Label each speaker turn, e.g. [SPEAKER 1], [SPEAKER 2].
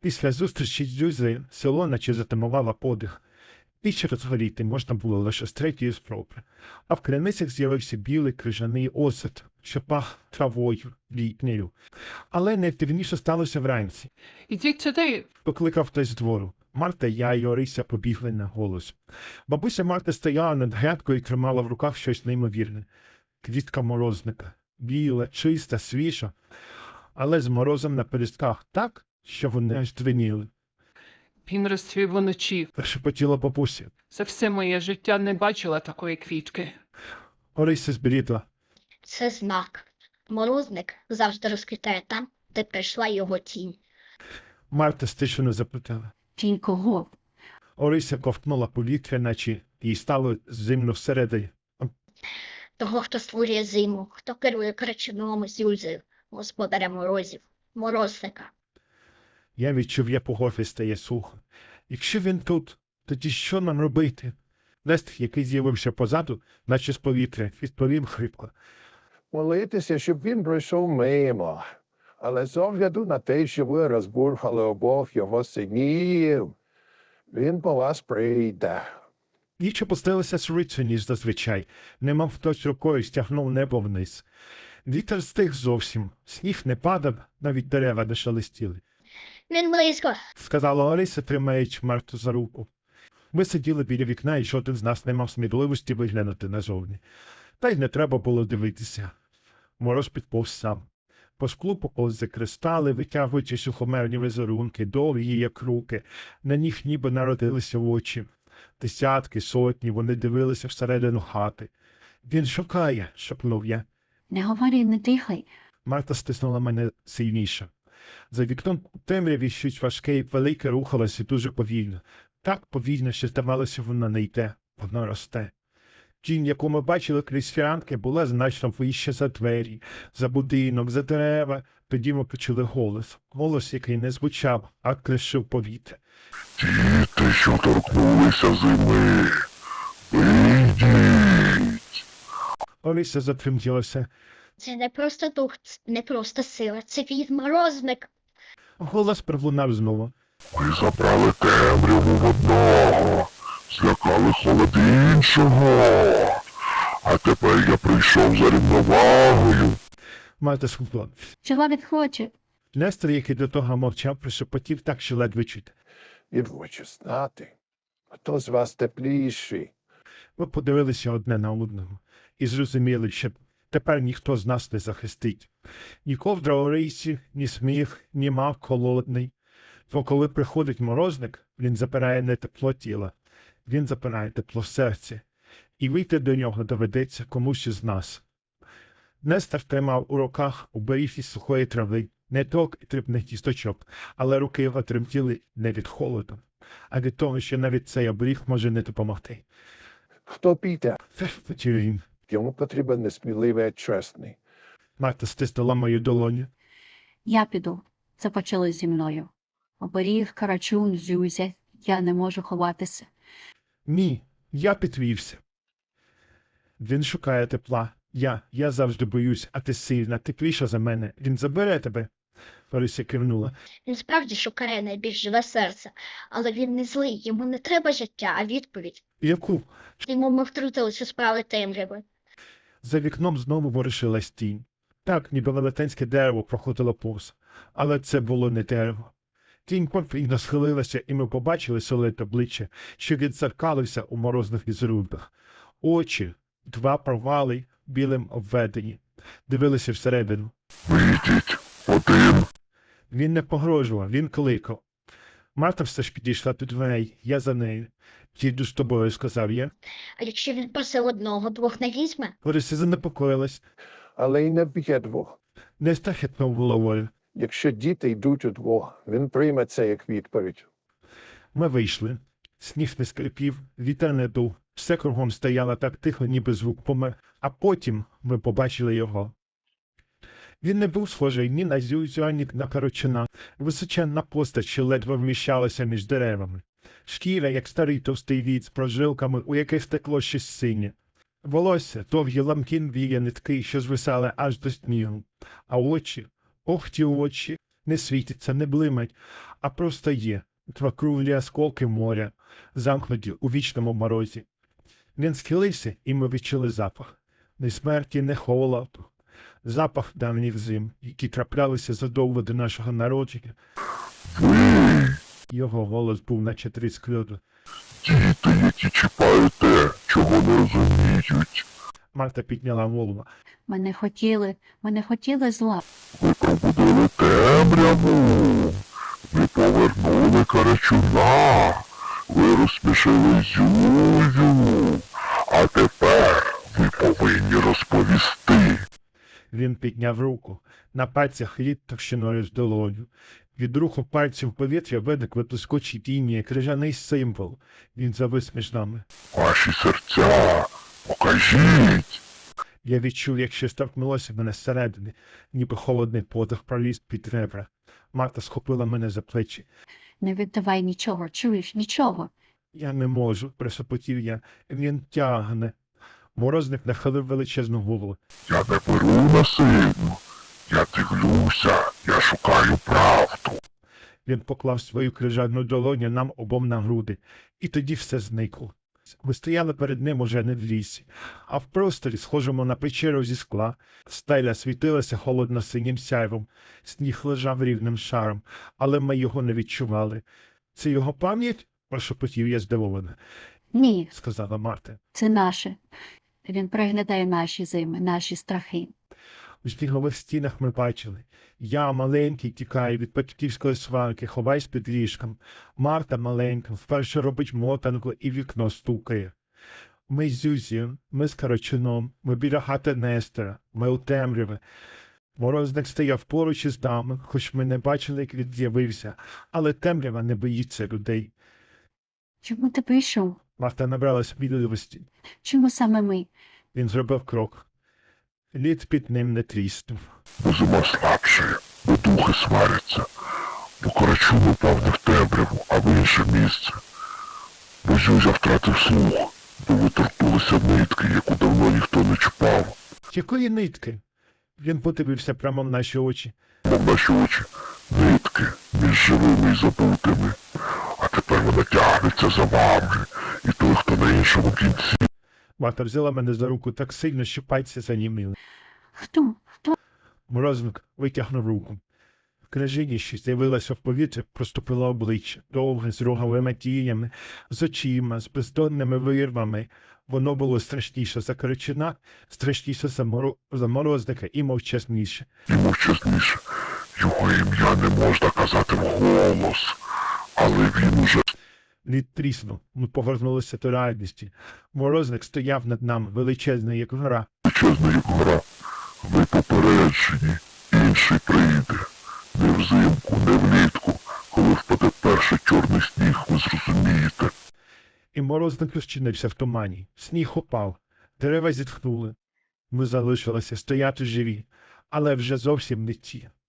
[SPEAKER 1] Після зустрічі з Дзюзею село наче затамувало подих. Піч розгоріти можна було лише з третьої спроби, а в криницях з'явився білий крижаний осад, що пах травою, літнею. Але найдивніше сталося вранці.
[SPEAKER 2] Ідіть сюди.
[SPEAKER 1] Покликав хтось з двору. Марта, я і Орися побігли на голос. Бабуся Марта стояла над грядкою і тримала в руках щось неймовірне. Квітка морозника. Біла, чиста, свіжа, але з морозом на пелюстках так, що вони аж дзвеніли.
[SPEAKER 2] Він розцвів уночі.
[SPEAKER 1] Прошепотіла бабуся.
[SPEAKER 2] За все моє життя не бачила такої квітки.
[SPEAKER 1] Орися збрідла.
[SPEAKER 3] Це знак. Морозник завжди розквітає там, де прийшла його тінь.
[SPEAKER 1] Марта стишено запитала.
[SPEAKER 4] Тінь кого?
[SPEAKER 1] Орися ковтнула повітря, наче їй стало зимно всередині.
[SPEAKER 3] Того, хто створює зиму, хто керує кричуном з Юльзею, господаря морозів, морозника.
[SPEAKER 1] Я відчув, я по горлі стає сухо. Якщо він тут, тоді що нам робити? Лест, який з'явився позаду, наче з повітря, відповів хрипко.
[SPEAKER 5] Молитися, щоб він пройшов мимо. Але з огляду на те, що ви розбурхали обох його синів, він по вас прийде.
[SPEAKER 1] Ніч опустилася швидше, ніж зазвичай. Немов хтось рукою стягнув небо вниз. Вітер стих зовсім. Сніг не падав, навіть дерева не шелестіли.
[SPEAKER 3] Він близько.
[SPEAKER 1] Сказала Орися, тримаючи Марту за руку. Ми сиділи біля вікна, і жоден з нас не мав сміливості виглянути назовні. Та й не треба було дивитися. Мороз підповз сам. По склу поповзли кристали, витягуючи сухомерні візерунки, довгі, як руки. На них ніби народилися очі. Десятки, сотні, вони дивилися всередину хати. «Він шукає», – шепнув я.
[SPEAKER 4] Не говори, не дихай.
[SPEAKER 1] Марта стиснула мене сильніше. За вікном у темряві щось важке і велике рухалося дуже повільно. Так повільно, що здавалося, воно не йде, воно росте. Тінь, яку ми бачили крізь фіранки, була значно вище за двері, за будинок, за дерева. Тоді ми почули голос. Голос, який не звучав, а кришив повітря.
[SPEAKER 6] Діти, що торкнулися зими, вийдіть.
[SPEAKER 1] Орися затремтілася.
[SPEAKER 3] Це не просто дух, не просто сила, це він морозник.
[SPEAKER 1] Голос пролунав знову.
[SPEAKER 6] Ви забрали темряву в одного, злякали холод іншого. А тепер я прийшов за рівновагою.
[SPEAKER 1] Марта схопила.
[SPEAKER 4] Чого він хоче?
[SPEAKER 1] Нестор, який до того мовчав, прошепотів так, що ледве чути.
[SPEAKER 5] Він хоче знати, хто з вас тепліший.
[SPEAKER 1] Ми подивилися одне на одного і зрозуміли, що тепер ніхто з нас не захистить. Ні ковдра Орисі, ні сміх, ні мав холодний. Бо коли приходить морозник, він запирає не тепло тіла, він запирає тепло серця. І вийти до нього доведеться комусь із нас. Нестор тримав у руках оберіг із сухої трави, не ток і дрібних кісточок, але руки його тремтіли не від холоду, а від того, що навіть цей оберіг може не допомогти.
[SPEAKER 5] Хто піде?
[SPEAKER 1] Це хотів він.
[SPEAKER 5] Йому потрібен несміливий і чесний.
[SPEAKER 1] Марта стиснула мою долоню.
[SPEAKER 4] Я піду. Це почали зі мною. Оберіг, Карачун, Зюзя. Я не можу ховатися.
[SPEAKER 1] Ні, я підвівся. Він шукає тепла. Я завжди боюсь, а ти сильна, тепліша за мене. Він забере тебе. Орися кивнула.
[SPEAKER 3] Він справді шукає найбільш живе серце, але він не злий, йому не треба життя, а відповідь.
[SPEAKER 1] Яку?
[SPEAKER 3] Йому ми втрутилися у справи темряви.
[SPEAKER 1] За вікном знову ворушилась тінь. Так, ніби велетенське дерево проходило повз. Але це було не дерево. Тінь повільно схилилася, і ми побачили солите обличчя, що відзеркалився у морозних візерунках. Очі, два провали, білим обведені, дивилися всередину.
[SPEAKER 6] Вийдіть, один.
[SPEAKER 1] Він не погрожував, він кликав. Марта все ж підійшла до дверей, я за нею. «Їду з тобою», – сказав я.
[SPEAKER 3] А якщо він просив одного, двох не візьме?
[SPEAKER 1] Орися занепокоїлась.
[SPEAKER 5] Але й не б'є двох.
[SPEAKER 1] Нестор хитнув головою.
[SPEAKER 5] Якщо діти йдуть удвох, він прийме це як відповідь.
[SPEAKER 1] Ми вийшли. Сніг не скрипів, вітер не дув. Все кругом стояло так тихо, ніби звук помер. А потім ми побачили його. Він не був схожий ні на Зюзю, ані на Карачуна. Височенна постать, що ледве вміщалася між деревами. Шкіра, як старий товстий віць з прожилками, у яких стекло щось синє. Волосся, довгі ламкі віє нитки, що звисали аж до снігу. А очі, ох ті очі, не світяться, не блимать, а просто є. Два круглі осколки моря, замкнуті у вічному морозі. Він схилився, і ми відчули запах. Не смерті, не холоду. Запах давніх зим, які траплялися задовго до нашого народження.
[SPEAKER 6] Ви,
[SPEAKER 1] Його голос був наче тріск льоду.
[SPEAKER 6] діти, які чіпають те, чого не розуміють.
[SPEAKER 1] Марта підняла голову.
[SPEAKER 4] Ми не хотіли зла.
[SPEAKER 6] Ви пробудили темряву. Ви повернули Карачуна. Ви розсмішили Зюзю. А тепер ви повинні розповісти.
[SPEAKER 1] Він підняв руку. На пальцях лід товщиною з долоню. Від руху пальців в повітря виник блискучий тіні, як крижаний символ. Він завис між нами.
[SPEAKER 6] Ваші серця, покажіть.
[SPEAKER 1] Я відчув, як щось торкнулося мене зсередини, ніби холодний подих проліз під ребра. Марта схопила мене за плечі.
[SPEAKER 4] Не віддавай нічого, чуєш, нічого.
[SPEAKER 1] Я не можу, прошепотів я. Він тягне. Морозник нахилив величезну голову.
[SPEAKER 6] Я не беру насильно. Я дивлюся, я шукаю правду.
[SPEAKER 1] Він поклав свою крижану долоню нам обом на груди, і тоді все зникло. Ми стояли перед ним уже не в лісі, а в просторі, схожому на печеру зі скла. Стеля світилася холодно-синім сяйвом, сніг лежав рівним шаром, але ми його не відчували. Це його пам'ять? Прошепотів я здивовано,
[SPEAKER 4] Ні,
[SPEAKER 1] сказала Марта.
[SPEAKER 4] це наше. Він приглядає наші зими, наші страхи.
[SPEAKER 1] У снігових стінах ми бачили. Я, маленький, тікаю від батьківської сварки, ховаюсь під ліжком. Марта, маленька, вперше робить мотанку і вікно стукає. Ми з Зюзією, ми з Карачуном, ми біля хати Нестора, ми у темряві. Морозник стояв поруч із нами, хоч ми не бачили, як він з'явився, але темрява не боїться людей.
[SPEAKER 4] Чому ти прийшов?
[SPEAKER 1] Марта набралась відливості.
[SPEAKER 4] Чому саме ми?
[SPEAKER 1] Він зробив крок. Лід під ним не тріснув.
[SPEAKER 6] Бо зима слабшає, бо духи сваряться. Бо Карачун упав не в темряву, а в інше місце. Бо Зюзя втратив слух, бо виторкнулися нитки, яку давно ніхто не чіпав.
[SPEAKER 1] Якої нитки? Він подивився прямо в наші очі.
[SPEAKER 6] Мов наші очі, нитки між живими і забутими. А тепер вона тягнеться за вами, і той, хто на іншому кінці.
[SPEAKER 1] Марта взяла мене за руку так сильно, що пальці заніміли.
[SPEAKER 4] Хто? Хто?
[SPEAKER 1] Морозник витягнув руку. В крижині, що з'явилася в повітрі, проступило обличчя, довге, з роговими тінями, з очима, з бездонними вирвами. Воно було страшніше за Карачуна, страшніше за Морозника і мовчазніше.
[SPEAKER 6] І мовчазніше. Його ім'я не можна казати вголос, але він уже
[SPEAKER 1] Лід тріснув, ми повернулися до реальності. Морозник стояв над нами, величезний, як гора.
[SPEAKER 6] величезна, як гора. Ви попереджені, інший прийде. Не взимку, не влітку, коли впаде перший чорний сніг, ви зрозумієте.
[SPEAKER 1] І морозник розчинився в тумані. Сніг упав, дерева зітхнули. Ми залишилися стояти живі, але вже зовсім не ті.